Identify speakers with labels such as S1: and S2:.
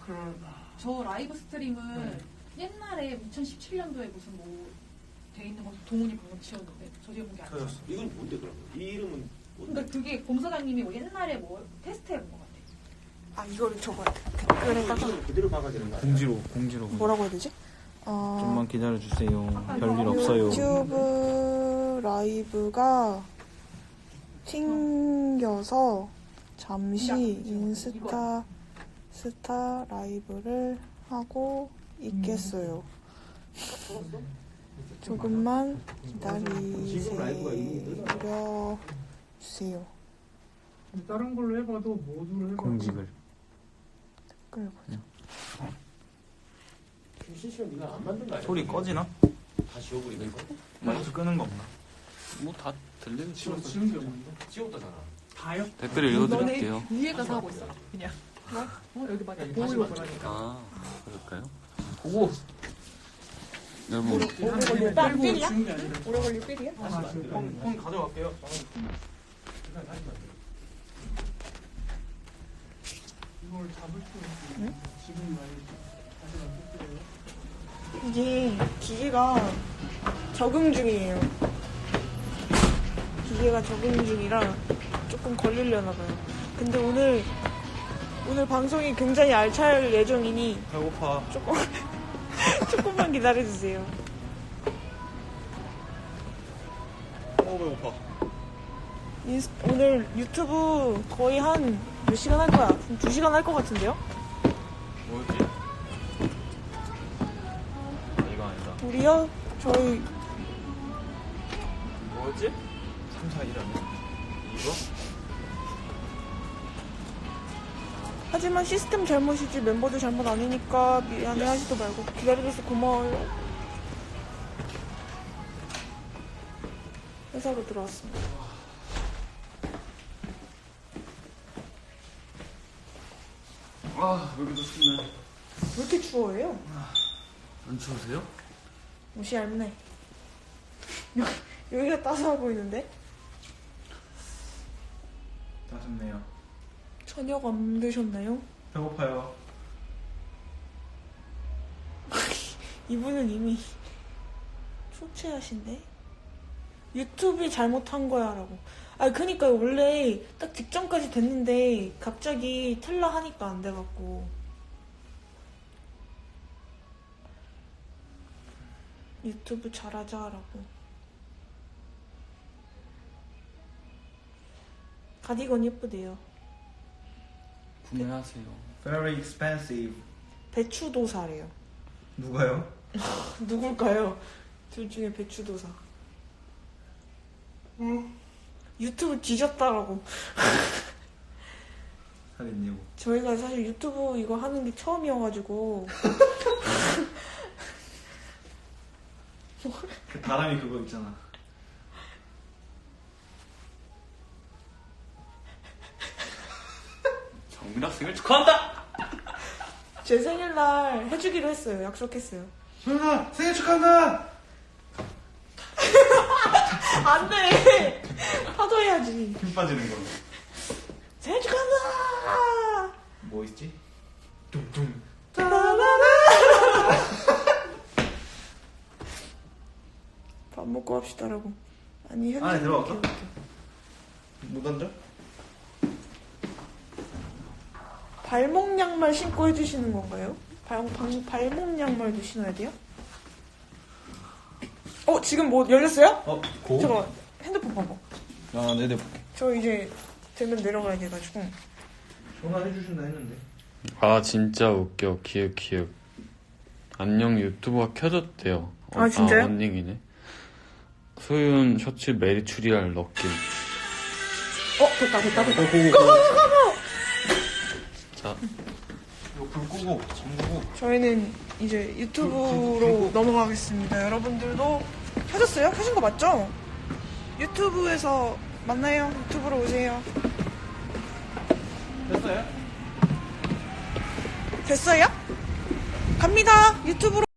S1: 저 라이브 스트림은 옛날에 2017년도에 무슨 뭐 돼 있는 거 동훈이 방금 지었는데 저 지어본 게 아니죠.
S2: 이건 뭔데 그러면? 이 이름은 뭔데?
S1: 그러니까 그게 공사장님이 뭐 옛날에 뭐 테스트해본 것 같아.
S3: 아 이거를 저거 댓글에다가
S2: 이건 그대로 박아야 되는 거 아니야?
S4: 공지로.
S3: 뭐라고 해야 되지?
S4: 좀만 기다려주세요. 별일 없어요.
S3: 유튜브 라이브가 튕겨서 잠시 인스타 라이브를 하고 있겠어요. 조금만 기다리세요.
S5: 다른 걸로 해봐도 모두를 해봐도
S4: 공직을.
S3: 댓글 보자.
S2: 실시간 네가 안 만든 거 아니야?
S4: 소리 꺼지나?
S2: 다 지워버리는 거?
S4: 마이크 끄는 거 없나?
S6: 뭐 다 들리는
S5: 지금 지는 게 없는데
S2: 지웠다잖아.
S5: 다요?
S6: 댓글 읽어드릴게요.
S1: 위에 가서 하고 있어. 그냥. 여기 맞아.
S5: 보이고 보라니까
S6: 아, 그럴까요?
S4: 보고.
S6: 여러분,
S5: 빼고 지운 게 아니라
S3: 오래 걸릴 필이야?
S4: 폰 가져갈게요.
S5: 이걸 잡을 수 있는 지금 말이지.
S3: 이게 기계가 적응 중이에요. 기계가 적응 중이라 조금 걸리려나 봐요. 근데 오늘 방송이 굉장히 알찰 예정이니
S4: 배고파.
S3: 조금만 기다려주세요.
S4: 배고파.
S3: 오늘 유튜브 거의 한 몇 시간 할 거야? 한 2시간 할 것 같은데요?
S4: 뭐였지? 이거 아니다.
S3: 우리요? 저희
S4: 뭐였지? 3, 4, 1 아니야? 이거?
S3: 하지만 시스템 잘못이지 멤버들 잘못 아니니까 미안해 하지도 말고 기다려줘서 고마워요. 회사로 들어왔습니다.
S4: 아, 여기도 춥네.
S3: 왜 이렇게 추워해요?
S4: 안 추우세요?
S3: 옷이 얇네. 여기가 따스해 보이는데?
S4: 따숩네요.
S3: 저녁 안 드셨나요?
S4: 배고파요.
S3: 이분은 이미 초췌하신데? 유튜브이 잘못한 거야 라고. 아 그니까 원래 딱 직전까지 됐는데 갑자기 틀라 하니까 안 돼갖고 유튜브 잘하자 라고. 가디건 예쁘대요.
S6: 구매하세요.
S4: Very expensive.
S3: 배추도사래요.
S4: 누가요?
S3: 누굴까요? 둘 중에 배추도사. 유튜브 뒤졌다라고.
S4: 하겠냐고.
S3: 저희가 사실 유튜브 이거 하는 게 처음이어가지고
S4: 그 다람이 그거 있잖아.
S6: 정민 학생을 축하한다!
S3: 제 생일날 해주기로 했어요. 약속했어요.
S4: 소연아, 생일 축하한다!
S3: 안 돼! 하도 해야지.
S4: 힘 빠지는 걸로.
S3: 생일 축하한다!
S4: 뭐 있지? 뚱뚱.
S3: 밥 먹고 합시다라고. 아니, 현진.
S4: 안에 들어갈까? 못 앉아?
S3: 발목 양말 신고 해주시는 건가요? 발목 양말도 신어야 돼요? 지금 뭐 열렸어요?
S4: 고?
S3: 잠깐만, 핸드폰 봐봐.
S4: 아, 네네 볼게.
S3: 저 이제 되면 내려가야 돼가지고.
S4: 전화해주신다 했는데.
S6: 아, 진짜 웃겨. 기획. 안녕 유튜브가 켜졌대요.
S3: 아, 진짜요?
S6: 아, 언닝이네. 소윤 셔츠 메리추리알 넣길.
S3: 됐다.
S6: 자,
S4: 이거 불 끄고, 잠그고.
S3: 저희는 이제 유튜브로 넘어가겠습니다. 여러분들도 켜졌어요? 켜진 거 맞죠? 유튜브에서 만나요. 유튜브로 오세요.
S4: 됐어요?
S3: 됐어요? 갑니다. 유튜브로.